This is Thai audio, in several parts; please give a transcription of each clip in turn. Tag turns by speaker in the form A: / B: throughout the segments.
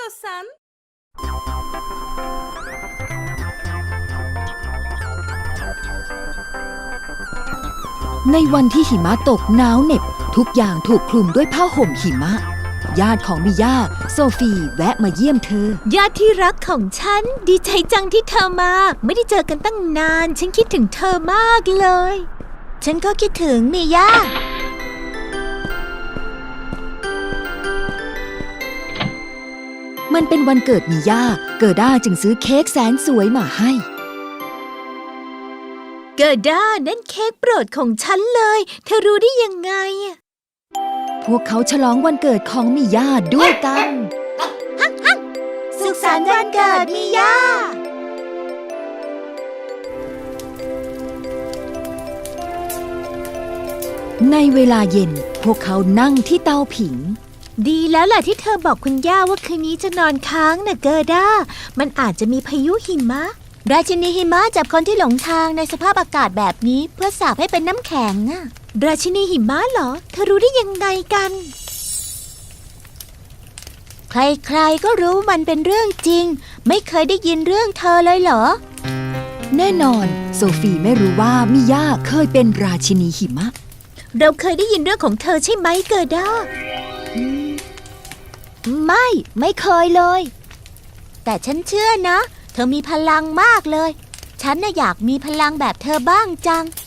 A: istiyorsan.
B: ในวันที่หิมะตกหนาวเหน็บทุกอย่างถูกคลุมด้วยผ้าห่มหิมะญาติของมิย่าโซฟีแวะมาเยี่ยมเธอ
C: ญาติที่รักของฉันดีใจจังที่เธอมาไม่ได้เจอกันตั้งนานฉันคิดถึงเธอมากเลยฉันก็คิดถึงมิย่า
B: มันเป็นวันเกิดมิย่าเกิด้าจึงซื้อเค้กแสนสวยมาให้
C: เกิด้านั่นเค้กโปรดของฉันเลยเธอรู้ได้ยังไง
B: พวกเขาฉลองวันเกิดของมิย่าด้วยกัน
C: สุขสันต์วันเกิดมิย่า
B: ในเวลาเย็นพวกเขานั่งที่เตาผิง
C: ดีแล้วแหละที่เธอบอกคุณย่าว่าคืนนี้จะนอนค้างนะเกิด้ามันอาจจะมีพายุหิมะราชินีหิมะจับคนที่หลงทางในสภาพอากาศแบบนี้เพื่อสาปให้เป็นน้ำแข็งอะราชินีหิมะเหรอเธอรู้ได้ยังไงกันใครๆก็รู้มันเป็นเรื่องจริงไม่เคยได้ยินเรื่องเธอเลยเหรอ
B: แน่นอนโซฟีไม่รู้ว่ามิย่าเคยเป็นราชินีหิมะ
C: เราเคยได้ยินเรื่องของเธอใช่ไหมเกิด้าไม่เคยเลยแต่ฉันเชื่อนะเธอมีพลังมากเลยฉันน่ะอยากมีพลังแบบเธอบ้างจัง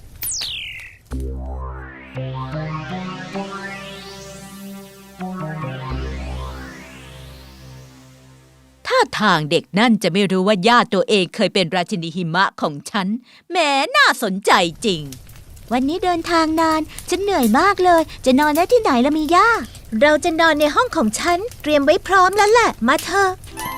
D: ท่าทางเด็กนั่นจะไม่รู้ว่าญาติตัวเองเคยเป็นราชินีหิมะของฉันแหมน่าสนใจจริง
C: วันนี้เดินทางนานฉันเหนื่อยมากเลยจะนอนได้ที่ไหนล่ะมิย่าเราจะนอนในห้องของฉันเตรียมไว้พร้อมแล้วแหละมาเถอะ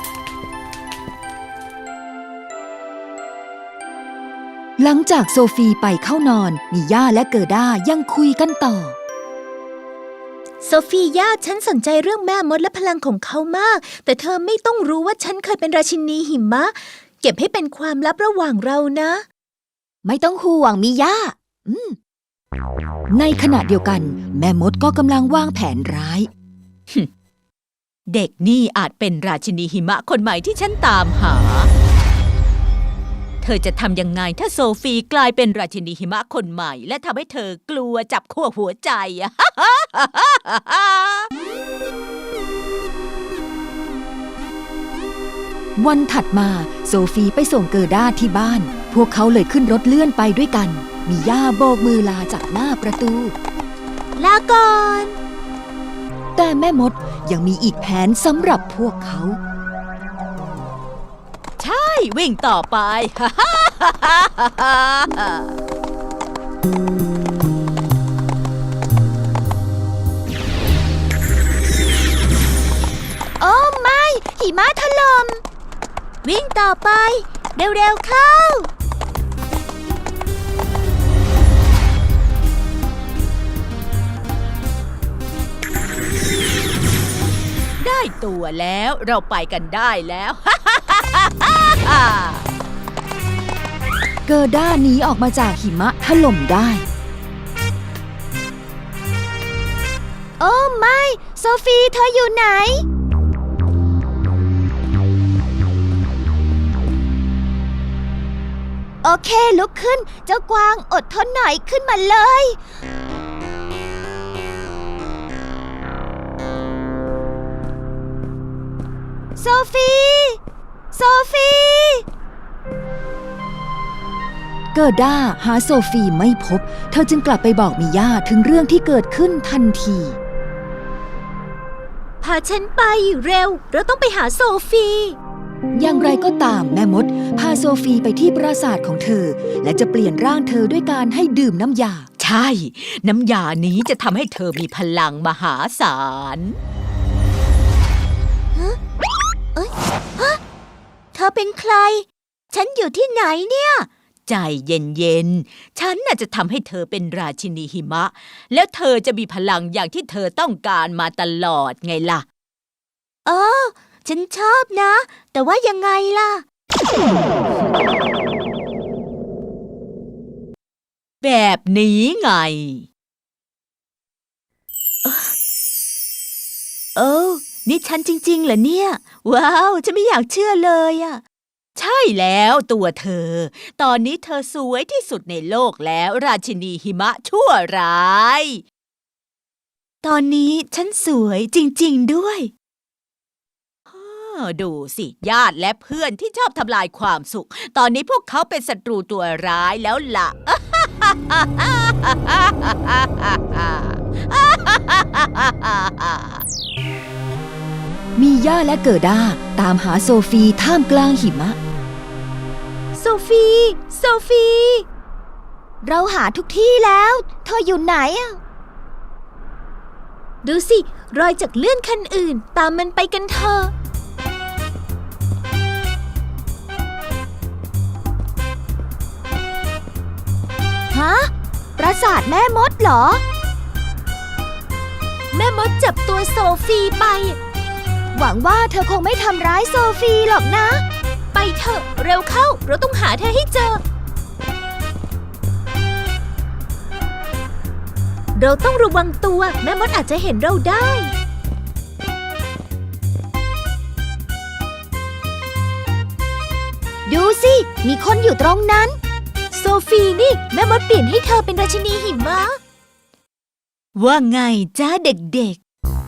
B: หลังจากโซฟีไปเข้านอนมิย่าและเกิด้ายังคุยกันต่อ
C: โซฟีย่าฉันสนใจเรื่องแม่มดและพลังของเขามากแต่เธอไม่ต้องรู้ว่าฉันเคยเป็นราชินีหิมะเก็บให้เป็นความลับระหว่างเรานะ
B: ไม่ต้องห่วงมิย่าในขณะเดียวกันแม่มดก็กำลังวางแผนร้าย
D: เด็กนี่อาจเป็นราชินีหิมะคนใหม่ที่ฉันตามหาเธอจะทำยังไงถ้าโซฟีกลายเป็นราชินีหิมะคนใหม่และทำให้เธอกลัวจับขั้วหัวใจ
B: วันถัดมาโซฟีไปส่งเกิด้าที่บ้านพวกเขาเลยขึ้นรถเลื่อนไปด้วยกันมิย่าโบกมือลาจากหน้าประตู
C: ลาก่อน
B: แต่แม่มดยังมีอีกแผนสำหรับพวกเขา
D: ใช่วิ่งต่อไป
C: โอ้ไม่หิมะถล่มวิ่งต่อไปเร็วๆเข้า
D: ได้ตัวแล้วเราไปกันได้แล้ว
B: เกิด้าหนีออกมาจากหิมะถล่มได้
C: โอ้ไม่โซฟีเธออยู่ไหนโอเคลุกขึ้นเจ้ากวางอดทนหน่อยขึ้นมาเลยโซฟีโซฟี
B: เกิด้าหาโซฟีไม่พบเธอจึงกลับไปบอกมิย่าถึงเรื่องที่เกิดขึ้นทันที
C: พาฉันไปเร็วเราต้องไปหาโซฟี
B: อย่างไรก็ตามแม่มดพาโซฟีไปที่ปราสาทของเธอและจะเปลี่ยนร่างเธอด้วยการให้ดื่มน้ำยา
D: ใช่น้ำยานี้จะทำให้เธอมีพลังมหาศาล
C: เธอเป็นใครฉันอยู่ที่ไหนเนี่ย
D: ใจเย็นๆฉันน่ะจะทำให้เธอเป็นราชินีหิมะแล้วเธอจะมีพลังอย่างที่เธอต้องการมาตลอดไงล่ะ
C: ฉันชอบนะแต่ว่ายังไงล่ะ
D: แบบนี้ไง
C: นี่ฉันจริงๆเหรอเนี่ย ว้าวฉันไม่อยากเชื่อเลยอะ
D: ใช่แล้วตัวเธอ ตอนนี้เธอสวยที่สุดในโลกแล้วราชินีหิมะชั่วร้าย
C: ตอนนี้ฉันสวยจริงๆด้วย
D: ดูสิญาติและเพื่อนที่ชอบทำลายความสุข ตอนนี้พวกเขาเป็นศัตรูตัวร้ายแล้วล่ะ
B: มีย่าและเกิด้าตามหาโซฟีท่ามกลางหิมะ
C: โซฟี โซฟี เราหาทุกที่แล้ว เธออยู่ไหนอะดูสิ รอยจากเลื่อนคันอื่น ตามมันไปกันเถอะ ฮะ ปราสาทแม่มดเหรอ แม่มดจับตัวโซฟีไป หวังว่าเธอคงไม่ทำร้ายโซฟีหรอกนะ ไปเถอะ เร็วเข้า เราต้องหาเธอให้เจอ เราต้องระวังตัว แม่มดอาจจะเห็นเราได้ ดูสิ มีคนอยู่ตรงนั้น โซฟีนี่ แม่มดเปลี่ยนให้เธอเป็นราชินีหิมะ
D: ว่าไงจ้าเด็ก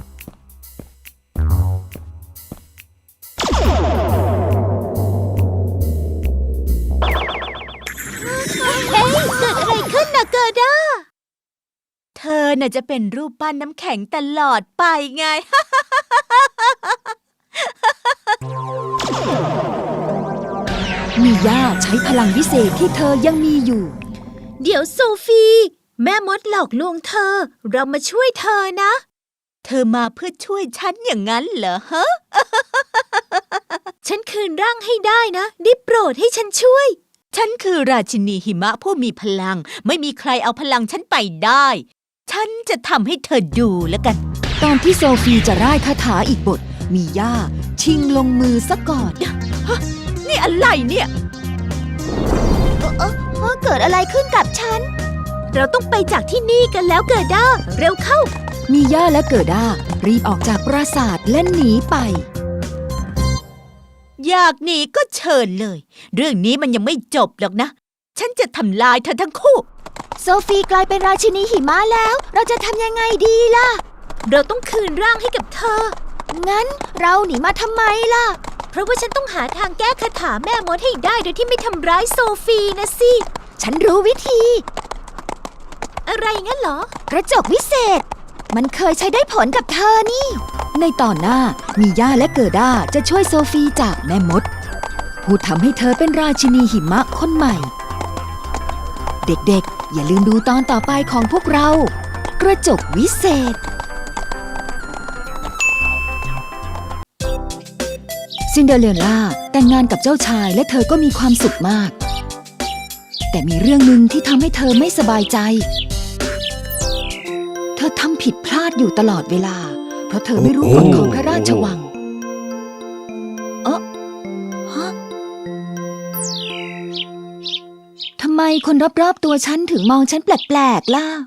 D: ๆ
C: เฮ้ย เกิดอะไรขึ้นนะเกิด้า
D: เธอน่ะจะเป็นรูปปั้นน้ำแข็งตลอดไปไง
B: มีย่าใช้พลังวิเศษที่เธอยังมีอยู่
C: เดี๋ยวโซฟี แม่มดหลอกลวงเธอ เรามาช่วยเธอนะ
D: เธอมาเพื่อช่วยฉันอย่างนั้นเหรอฮะ
C: ฉันคืนร่างให้ได้นะ ได้โปรดให้ฉันช่วย
D: ฉันคือราชินีหิมะผู้มีพลัง ไม่มีใครเอาพลังฉันไปได้ ฉันจะทำให้เธอดูแล้วกัน
B: ตอนที่โซฟีจะร่ายคาถาอีกบท มีย่าชิงลงมือซะก่อน
D: นี่อะไรเนี่ย
C: เกิดอะไรขึ้นกับฉัน เราต้องไปจากที่นี่กันแล้วเกิดด้า เร็วเข้า
B: มีย่าและเกิด้ารีบออกจากปราสาทและหนีไป
D: อยากหนีก็เชิญเลย เรื่องนี้มันยังไม่จบหรอกนะ ฉันจะทำลายเธอทั้งคู่
C: โซฟีกลายเป็นราชินีหิมะแล้ว เราจะทำยังไงดีล่ะ เราต้องคืนร่างให้กับเธอ งั้นเราหนีมาทำไมล่ะ เพราะว่าฉันต้องหาทางแก้คาถาแม่มดให้ได้โดยที่ไม่ทำร้ายโซฟีนะสิ ฉันรู้วิธี อะไรงั้นเหรอ กระจกวิเศษ มันเคยใช้ได้ผลกับเธอนี่
B: ในตอนหน้ามีย่าและเกิด้าจะช่วยโซฟีจากแม่มด ผู้ทำให้เธอเป็นราชินีหิมะคนใหม่ เด็กๆ อย่าลืมดูตอนต่อไปของพวกเรา กระจกวิเศษ ซินเดอเรลล่าแต่งงานกับเจ้าชายและเธอก็มีความสุขมาก แต่มีเรื่องหนึ่งที่ทำให้เธอไม่สบายใจ เธอทำผิดพลาดอยู่ตลอดเวลา เพราะเธอไม่รู้กฎของพระราชวัง ทำไมคนรอบๆตัวฉันถึงมองฉันแปลกๆล่ะ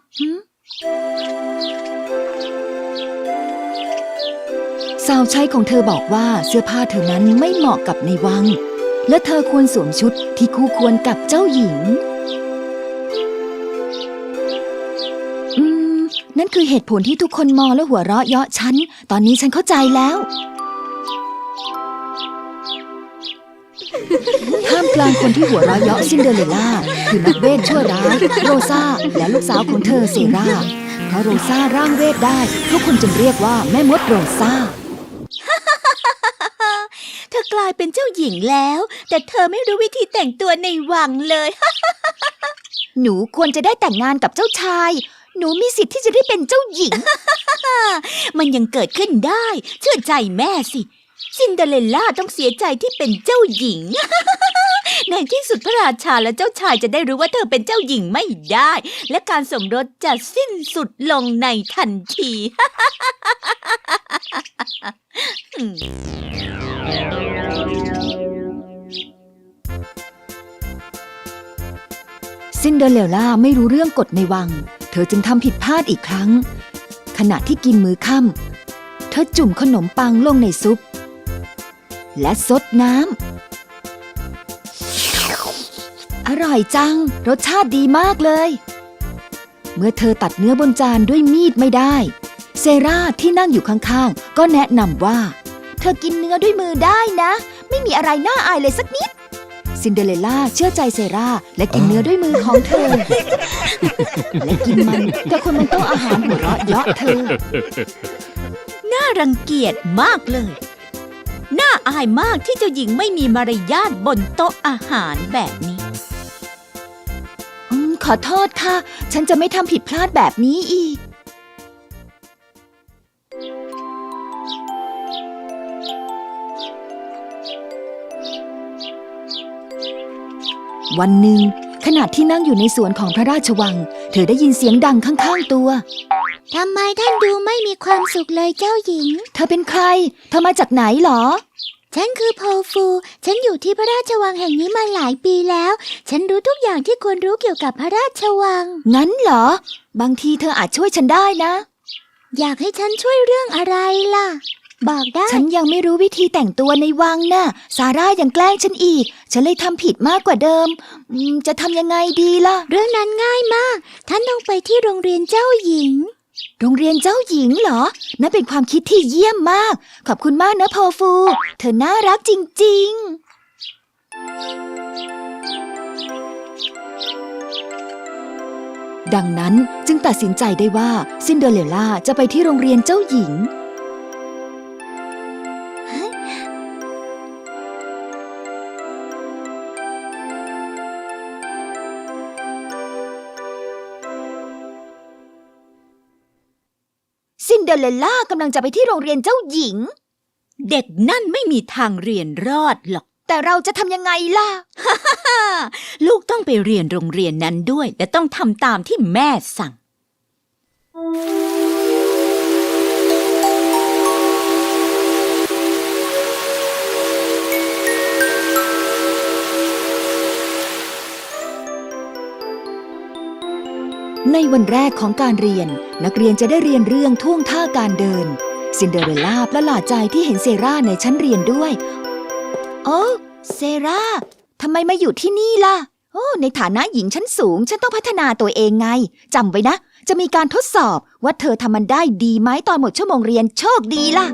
B: สาวใช้ของเธอบอกว่าเสื้อผ้าเธอนั้นไม่เหมาะกับในวัง และเธอควรสวมชุดที่คู่ควรกับเจ้าหญิง นั่นคือเหตุผลที่ทุกคนมองและหัวเราะเยาะฉัน ตอนนี้ฉันเข้าใจแล้ว ท่ามกลางคนที่หัวเราะเยาะซินเดอเรลล่าคือนักเวทชั่วร้ายโรซาและลูกสาวของเธอเซราเพราะโรซาร่างเวทได้ทุกคนจึงเรียกว่าแม่มดโรซา
D: เธอกลายเป็นเจ้าหญิงแล้ว แต่เธอไม่รู้วิธีแต่งตัวในวังเลย
C: หนูควรจะได้แต่งงานกับเจ้าชาย หนูมีสิทธิ์ที่จะได้เป็นเจ้าหญิง
D: มันยังเกิดขึ้นได้ เชื่อใจแม่สิ ซินเดอเรลล่าต้องเสียใจที่เป็นเจ้าหญิง ในที่สุดพระราชาและเจ้าชายจะได้รู้ว่าเธอเป็นเจ้าหญิงไม่ได้ และการสมรสจะสิ้นสุดลงในทันที
B: ซินเดอเรลล่าไม่รู้เรื่องกฎในวัง เธอจึงทำผิดพลาดอีกครั้ง ขณะที่กินมื้อค่ำเธอจุ่มขนมปังลงในซุป และซดน้ำอร่อยจังรสชาติดีมากเลย เมื่อเธอตัดเนื้อบนจานด้วยมีดไม่ได้เซราที่นั่งอยู่ข้างๆก็แนะนำว่าเธอกินเนื้อด้วยมือได้นะไม่มีอะไรน่าอายเลยสักนิดซินเดอเรลล่าเชื่อใจเซราและกินเนื้อด้วยมือของเธอ และกินมันแต่คนบนโต๊ะอาหารหัวเราะเยาะเธอ
D: น่ารังเกียจมากเลย น่าอายมากที่เจ้าหญิงไม่มีมารยาทบนโต๊ะอาหารแบบนี้
B: ขอโทษค่ะฉันจะไม่ทำผิดพลาดแบบนี้อีกวันหนึ่งขณะที่นั่งอยู่ในสวนของพระราชวังเธอได้ยินเสียงดังข้างๆตัว
C: ทำไมท่านดูไม่มีความสุขเลยเจ้าหญิง
B: เธอเป็นใครเธอมาจากไหนหรอ
C: ฉันคือโพฟูฉันอยู่ที่พระราชวังแห่งนี้มาหลายปีแล้วฉันรู้ทุกอย่างที่ควรรู้เกี่ยวกับพระราชวัง
B: งั้นเหรอบางทีเธออาจช่วยฉันได้นะ
C: อยากให้ฉันช่วยเรื่องอะไรล่ะบอกได้
B: ฉันยังไม่รู้วิธีแต่งตัวในวังน่ะซาร่ายังแกล้งฉันอีกฉันเลยทำผิดมากกว่าเดิมจะทำยังไงดีล่ะ
C: เรื่องนั้นง่ายมากท่านต้องไปที่โรงเรียนเจ้าหญิง
B: โรงเรียนเจ้าหญิงเหรอนั่นเป็นความคิดที่เยี่ยมมากขอบคุณมากนะโพฟูเธอน่ารักจริงๆดังนั้นจึงตัดสินใจได้ว่าซินเดอเรลล่าจะไปที่โรงเรียนเจ้าหญิงซินเดอเรลล่ากำลังจะไปที่โรงเรียนเจ้าหญิง
D: เด็กนั่นไม่มีทางเรียนรอดหรอก
B: แต่เราจะทำยังไงล่ะ
D: ลูกต้องไปเรียนโรงเรียนนั้นด้วยแต่ต้องทำตามที่แม่สั่ง
B: ในวันแรกของการเรียนนักเรียนจะได้เรียนเรื่องท่วงท่าการเดินซินเดอเรลล่าประหลาดใจที่เห็นเซราในชั้นเรียนด้วยโอ้เซราทำไมมาอยู่ที่นี่ล่ะโอ้ในฐานะหญิงชั้นสูงฉันต้องพัฒนาตัวเองไงจำไว้นะจะมีการทดสอบว่าเธอทำมันได้ดีไหมตอนหมดชั่วโมงเรียนโชคดีล่ะ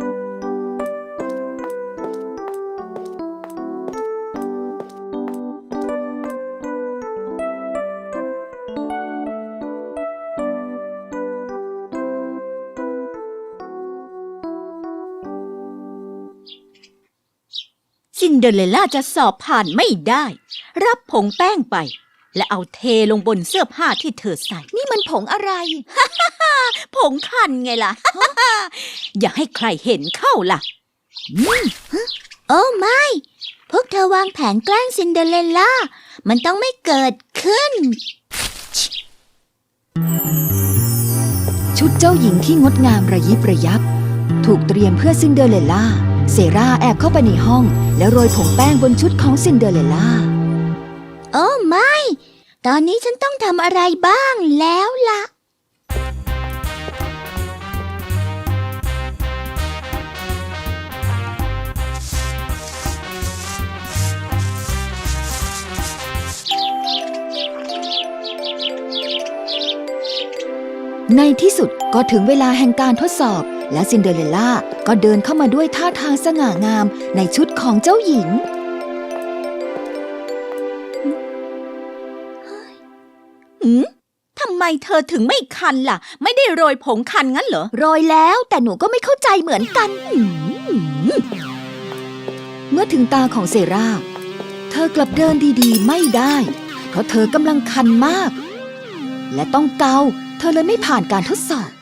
D: ซินเดอเรลล่าจะสอบผ่านไม่ได้รับผงแป้งไปและเอาเทลงบนเสื้อผ้าที่เธอใส่
B: นี่มันผงอะไร
D: ผงคันไงล่ะ อย่าให้ใครเห็นเข้าล่ะ
C: โอ้ไม่พวกเธอวางแผนแกล้งซินเดอเรลล่ามันต้องไม่เกิดขึ้น
B: ชุดเจ้าหญิงที่งดงามระยิบระยับถูกเตรียมเพื่อซินเดอเรลล่าเซราแอบเข้าไปในห้องแล้วโรยผงแป้งบนชุดของซินเดอเรลล่า
C: โอ้ไม่ตอนนี้ฉันต้องทำอะไรบ้างแล้วล่ะ
B: ในที่สุดก็ถึงเวลาแห่งการทดสอบและซินเดอเรลล่าก็เดินเข้ามาด้วยท่าทางสง่างามในชุดของเจ้าหญิง
D: ทำไมเธอถึงไม่คันล่ะไม่ได้โรยผงคันงั้นเหรอ
B: โรยแล้วแต่หนูก็ไม่เข้าใจเหมือนกันเมื่อถึงตาของเซราเธอกลับเดินดีๆไม่ได้เพราะเธอกำลังคันมากและต้องเกาเธอเลยไม่ผ่านการทดสอบ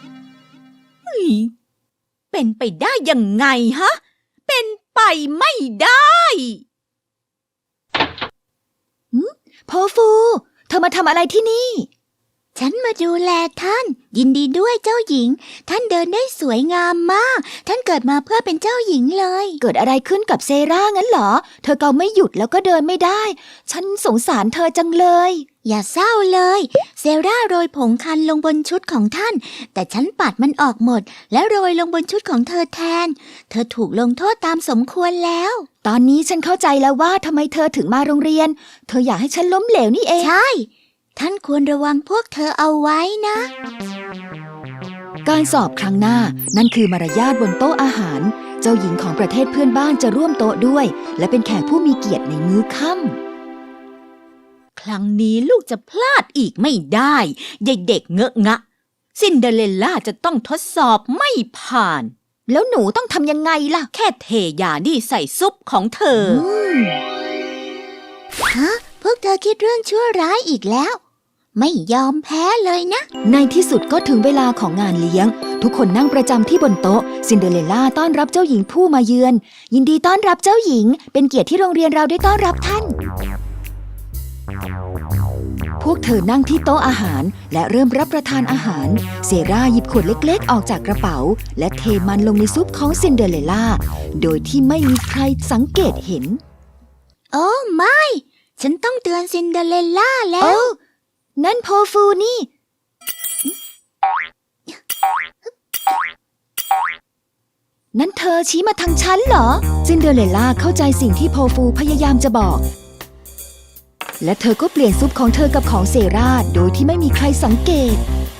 D: เป็นไปได้ยังไงฮะเป็นไปไม่ได้
B: โพฟูเธอมาทำอะไรที่นี่
D: ฉันมาดูแลท่าน ยินดีด้วยเจ้าหญิง ท่านเดินได้สวยงามมาก ท่านเกิดมาเพื่อเป็นเจ้าหญิงเลย
B: เกิดอะไรขึ้นกับเซรางั้นเหรอ เธอเกาไม่หยุดแล้วก็เดินไม่ได้ ฉันสงสารเธอจังเลย
D: อย่าเศร้าเลย เซราโรยผงคันลงบนชุดของท่าน แต่ฉันปัดมันออกหมด และโรยลงบนชุดของเธอแทน เธอถูกลงโทษตามสมควรแล้ว
B: ตอนนี้ฉันเข้าใจแล้วว่าทำไมเธอถึงมาโรงเรียน เธออยากให้ฉันล้มเหลวนี่เอง
D: ใช่ ท่านควรระวังพวกเธอเอาไว้นะ
B: การสอบครั้งหน้านั่นคือมารยาทบนโต๊ะอาหาร เจ้าหญิงของประเทศเพื่อนบ้านจะร่วมโต๊ะด้วย และเป็นแขกผู้มีเกียรติในมื้อค่ำ
D: ครั้งนี้ลูกจะพลาดอีกไม่ได้เด็กๆเงอะงะ ซินเดอเรลล่าจะต้องทดสอบไม่ผ่าน
B: แล้วหนูต้องทำยังไงล่ะ
D: แค่เทยานี่ใส่ซุปของเธอฮะพวกเธอคิดเรื่องชั่วร้ายอีกแล้ว ไม่ยอมแพ้เลยนะ
B: ในที่สุดก็ถึงเวลาของงานเลี้ยง ทุกคนนั่งประจำที่บนโต๊ะซินเดอเรลล่าต้อนรับเจ้าหญิงผู้มาเยือน ยินดีต้อนรับเจ้าหญิง เป็นเกียรติที่โรงเรียนเราได้ต้อนรับท่าน พวกเธอนั่งที่โต๊ะอาหารและเริ่มรับประทานอาหาร เซราหยิบขวดเล็กๆออกจากกระเป๋า และเทมันลงในซุปของซินเดอเรลล่าโดยที่ไม่มีใครสังเกตเห็น
D: โอ้ไม่ ฉันต้องเตือนซินเดอเรลล่าแล้
B: โอ้
D: ว
B: นั่นโพฟูนี่ นั่นเธอชี้มาทางฉันเหรอ ซินเดอเรลล่าเข้าใจสิ่งที่โพฟูพยายามจะบอก และเธอก็เปลี่ยนซุปของเธอกับของเซราโดยที่ไม่มีใครสังเกต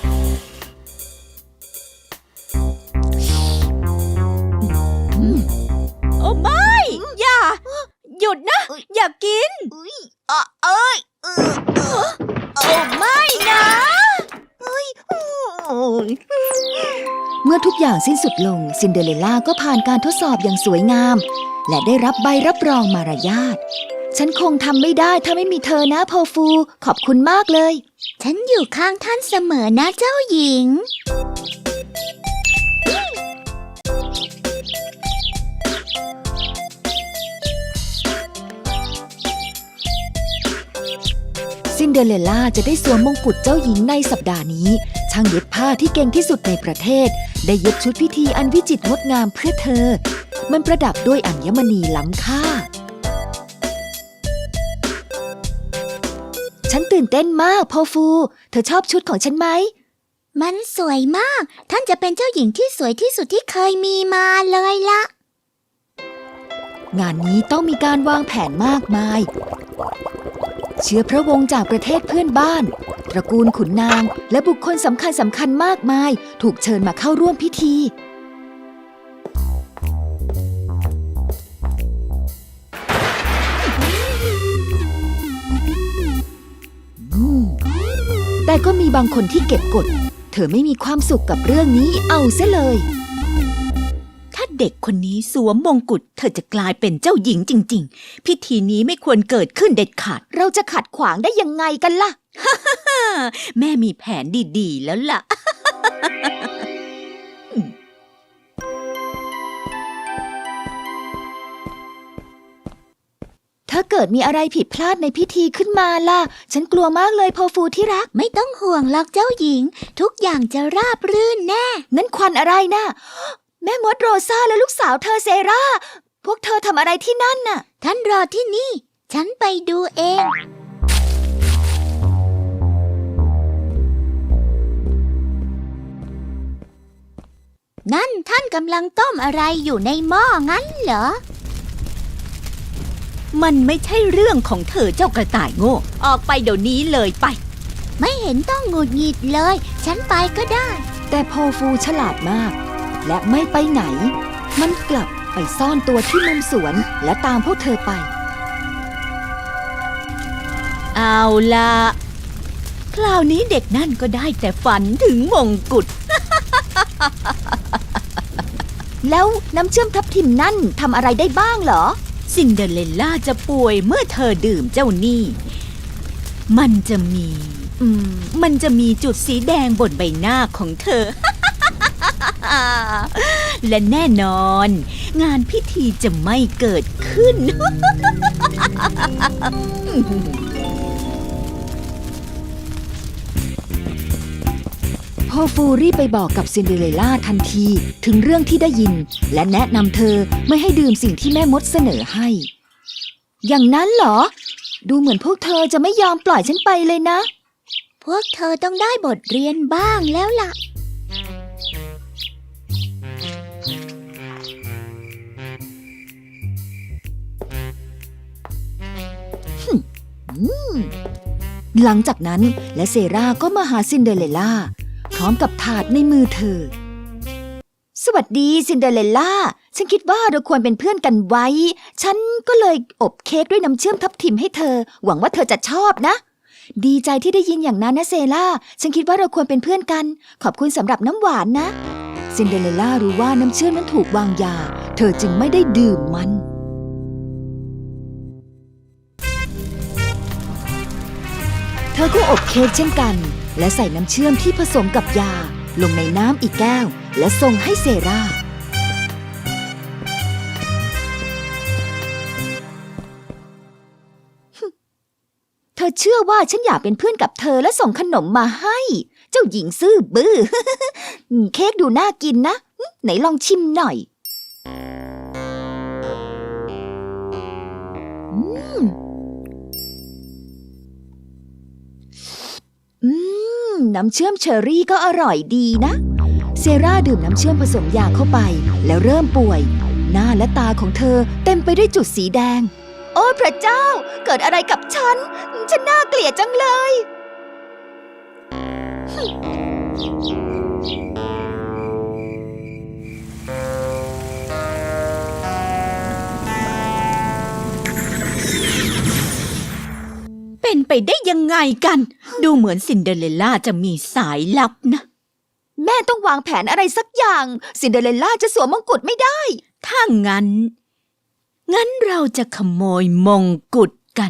D: โอ้ไม่ อย่า หยุดนะ อย่ากินโอ้ไม่นะ
B: เมื่อทุกอย่างสิ้นสุดลง ซินเดอเรลล่าก็ผ่านการทดสอบอย่างสวยงาม และได้รับใบรับรองมารยาท ฉันคงทำไม่ได้ถ้าไม่มีเธอนะโพฟู ขอบคุณมากเลย
D: ฉันอยู่ข้างท่านเสมอนะเจ้าหญิง
B: ซินเดอเรลล่าจะได้สวมมงกุฎเจ้าหญิงในสัปดาห์นี้ ช่างเย็บผ้าที่เก่งที่สุดในประเทศ ได้เย็บชุดพิธีอันวิจิตรงดงามเพื่อเธอ มันประดับด้วยอัญมณีล้ำค่า ฉันตื่นเต้นมากโพฟู เธอชอบชุดของฉันไหม
D: มันสวยมาก ท่านจะเป็นเจ้าหญิงที่สวยที่สุดที่เคยมีมาเลยละ
B: งานนี้ต้องมีการวางแผนมากมาย เชื้อพระวงศ์จากประเทศเพื่อนบ้าน ตระกูลขุนนางและบุคคลสำคัญมากมาย ถูกเชิญมาเข้าร่วมพิธี แต่ก็มีบางคนที่เก็บกด เธอไม่มีความสุขกับเรื่องนี้เอาเสียเลย
D: ถ้าเด็กคนนี้สวมมงกุฎเธอจะกลายเป็นเจ้าหญิงจริงๆ พิธีนี้ไม่ควรเกิดขึ้นเด็ดขาด
B: เราจะขัดขวางได้ยังไงกันล่ะ
D: แม่มีแผนดีๆแล้วล่ะ
B: ถ้าเกิดมีอะไรผิดพลาดในพิธีขึ้นมาล่ะ ฉันกลัวมากเลยโพฟูที่รัก
D: ไม่ต้องห่วงหรอกเจ้าหญิง ทุกอย่างจะราบรื่นแน่
B: นั่นควันอะไรนะ แม่มดโรซาและลูกสาวเธอเซรา พวกเธอทำอะไรที่นั่นน่ะ
D: ท่านรอที่นี่ ฉันไปดูเอง นั่นท่านกำลังต้มอะไรอยู่ในหม้องั้นเหรอ มันไม่ใช่เรื่องของเธอเจ้ากระต่ายโง่ ออกไปเดี๋ยวนี้เลยไป ไม่เห็นต้องหงุดหงิดเลย ฉันไปก็ได้
B: แต่โพฟูฉลาดมาก และไม่ไปไหน มันกลับไปซ่อนตัวที่มุมสวนและตามพวกเธอไป
D: เอาล่ะ คราวนี้เด็กนั่นก็ได้แต่ฝันถึงมงกุฎ
B: แล้วน้ำเชื่อมทับทิมนั่นทำอะไรได้บ้างเหรอ
D: ซินเดอเรลล่าจะป่วยเมื่อเธอดื่มเจ้านี่ มันจะมีจุดสีแดงบนใบหน้าของเธอ และแน่นอน งานพิธีจะไม่เกิดขึ้น
B: ฟูรีบไปบอกกับซินเดอเรลล่าทันทีถึงเรื่องที่ได้ยินและแนะนำเธอไม่ให้ดื่มสิ่งที่แม่มดเสนอให้ อย่างนั้นเหรอ ดูเหมือนพวกเธอจะไม่ยอมปล่อยฉันไปเลยนะ
C: พวกเธอต้องได้บทเรียนบ้างแล้วล่ะ
B: หลังจากนั้นและเซราก็มาหาซินเดอเรลล่าพร้อมกับถาดในมือเธอสวัสดีซินเดอเรลล่าฉันคิดว่าเราควรเป็นเพื่อนกันไว้ฉันก็เลยอบเค้กด้วยน้ำเชื่อมทับทิมให้เธอหวังว่าเธอจะชอบนะดีใจที่ได้ยินอย่างนั้นนะเซราฉันคิดว่าเราควรเป็นเพื่อนกันขอบคุณสำหรับน้ำหวานนะซินเดอเรลล่ารู้ว่าน้ำเชื่อมนั้นถูกวางยาเธอจึงไม่ได้ดื่มมันเธอก็อบเค้กเช่นกันและใส่น้ำเชื่อมที่ผสมกับยาลงในน้ำอีกแก้วและส่งให้เซราเธอเชื่อว่าฉันอยากเป็นเพื่อนกับเธอและส่งขนมมาให้เจ้าหญิงซื่อบื้อ เค้กดูน่ากินนะไหนลองชิมหน่อยน้ำเชื่อมเชอร์รี่ก็อร่อยดีนะเซราดื่มน้ำเชื่อมผสมยาเข้าไปแล้วเริ่มป่วยหน้าและตาของเธอเต็มไปด้วยจุดสีแดงโอ้พระเจ้าเกิดอะไรกับฉันน่าเกลียดจังเลย
D: เป็นไปได้ยังไงกันดูเหมือนซินเดอเรลล่าจะมีสายลับนะ
B: แม่ต้องวางแผนอะไรสักอย่างซินเดอเรลล่าจะสวมมงกุฎไม่ได้
D: ถ้างั้นเราจะขโมยมงกุฎกัน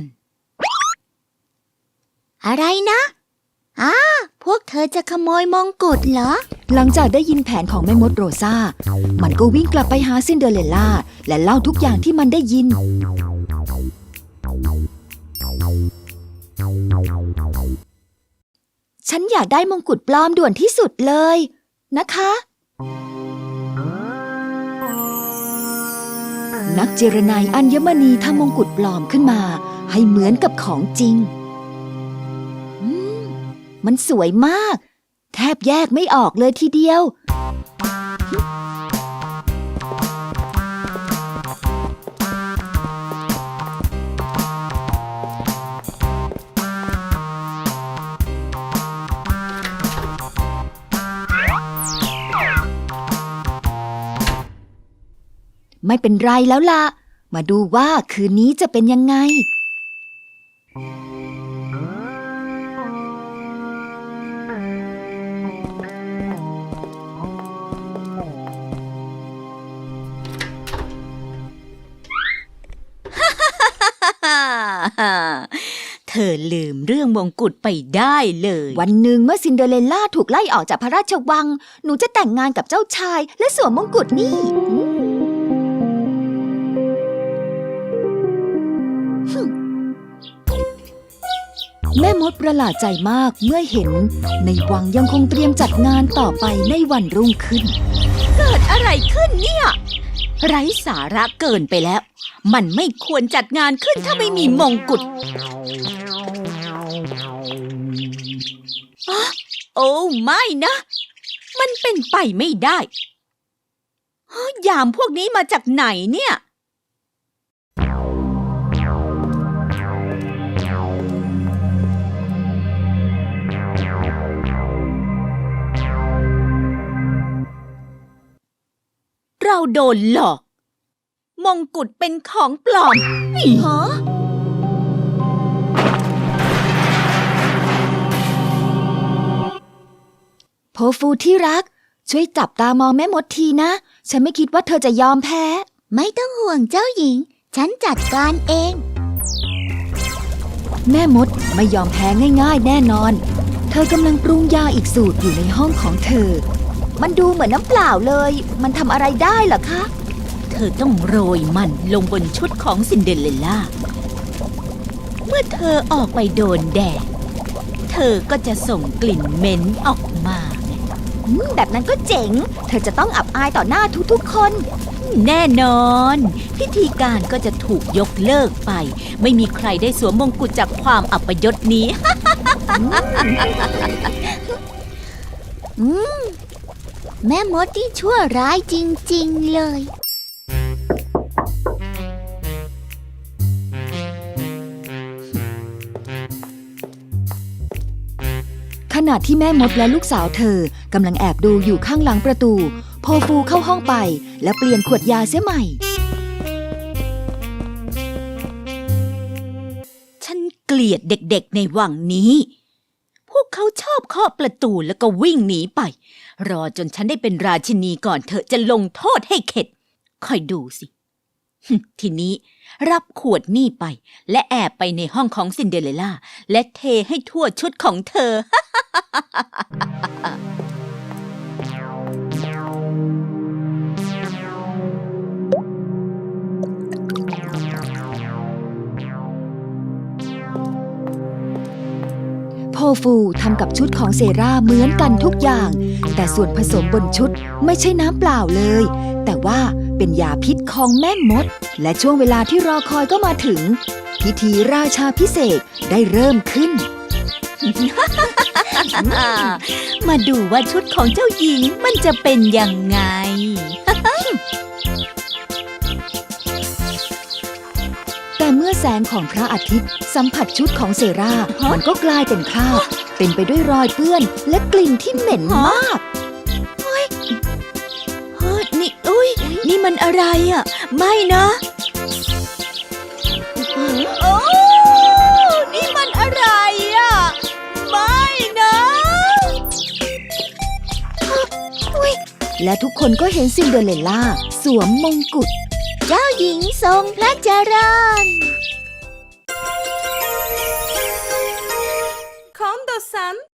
C: อะไรนะพวกเธอจะขโมยมงกุฎเหรอ
B: หลังจากได้ยินแผนของแม่มดโรซามันก็วิ่งกลับไปหาซินเดอเรลล่าและเล่าทุกอย่างที่มันได้ยินฉันอยากได้มงกุฎปลอมด่วนที่สุดเลยนะคะนักเจรไนอัญมณีทำมงกุฎปลอมขึ้นมาให้เหมือนกับของจริงมันสวยมากแทบแยกไม่ออกเลยทีเดียวไม่เป็นไรแล้วล่ะมาดูว่าคืนนี้จะเป็นยังไง
D: เธอลืมเรื่องมงกุฎไปได้เลย
B: วันหนึ่งเมื่อซินเดอเรลล่าถูกไล่ออกจากพระราชวังหนูจะแต่งงานกับเจ้าชายและสวมมงกุฎนี่แม่มดประหลาดใจมากเมื่อเห็นในวังยังคงเตรียมจัดงานต่อไปในวันรุ่งขึ้น
D: เกิดอะไรขึ้นเนี่ยไร้สาระเกินไปแล้วมันไม่ควรจัดงานขึ้นถ้าไม่มีมงกุฎโอ้ไม่นะมันเป็นไปไม่ได้ยามพวกนี้มาจากไหนเนี่ยเราโดนหลอกมงกุฎเป็นของปลอมฮะ
B: โพฟูที่รักช่วยจับตามองแม่มดทีนะฉันไม่คิดว่าเธอจะยอมแพ้
C: ไม่ต้องห่วงเจ้าหญิงฉันจัดการเอง
B: แม่มดไม่ยอมแพ้ง่ายๆแน่นอนเธอกำลังปรุงยาอีกสูตรอยู่ในห้องของเธอมันดูเหมือนน้ำเปล่าเลยมันทำอะไรได้เหรอคะ
D: เธอต้องโรยมันลงบนชุดของซินเดอเรลล่าเมื่อเธอออกไปโดนแดดเธอก็จะส่งกลิ่นเหม็นออกมา
B: แบบนั้นก็เจ๋ง เธอจะต้องอับอายต่อหน้าทุกๆคน
D: แน่นอน พิธีการก็จะถูกยกเลิกไป ไม่มีใครได้สวมมงกุฎจากความอัปยศนี้
C: แม่มดที่ชั่วร้ายจริงๆเลย
B: ขณะที่แม่มดและลูกสาวเธอกำลังแอบดูอยู่ข้างหลังประตู โพฟูเข้าห้องไปและเปลี่ยนขวดยาเสียใหม่
D: ฉันเกลียดเด็กๆในวังนี้ พวกเขาชอบเคาะประตูแล้วก็วิ่งหนีไป รอจนฉันได้เป็นราชินีก่อนเธอจะลงโทษให้เข็ด คอยดูสิ ทีนี้รับขวดนี่ไป และแอบไปในห้องของซินเดอเรลล่า และเทให้ทั่วชุดของเธอ
B: โพฟูทำกับชุดของเซราเหมือนกันทุกอย่าง แต่ส่วนผสมบนชุดไม่ใช่น้ำเปล่าเลย แต่ว่าเป็นยาพิษของแม่มด และช่วงเวลาที่รอคอยก็มาถึง พิธีราชาพิเศษกได้เริ่มขึ้น
D: มาดูว่าชุดของเจ้าหญิงมันจะเป็นยังไง
B: แต่เมื่อแสงของพระอาทิตย์สัมผัสชุดของเซรามันก็กลายเป็นคราบเต็มไปด้วยรอยเปื้อนและกลิ่นที่เหม็นมาก
D: เฮ้ยนี่อุ้ยนี่มันอะไรอ่ะ ไม่นะโอ้นี่มันอะไรอ่ะ ไม่นะ
B: และทุกคนก็เห็นซินเดอเรลล่าสวมมงกุฎ
C: เจ้าหญิงทรงพระเจริญ
A: 近藤さん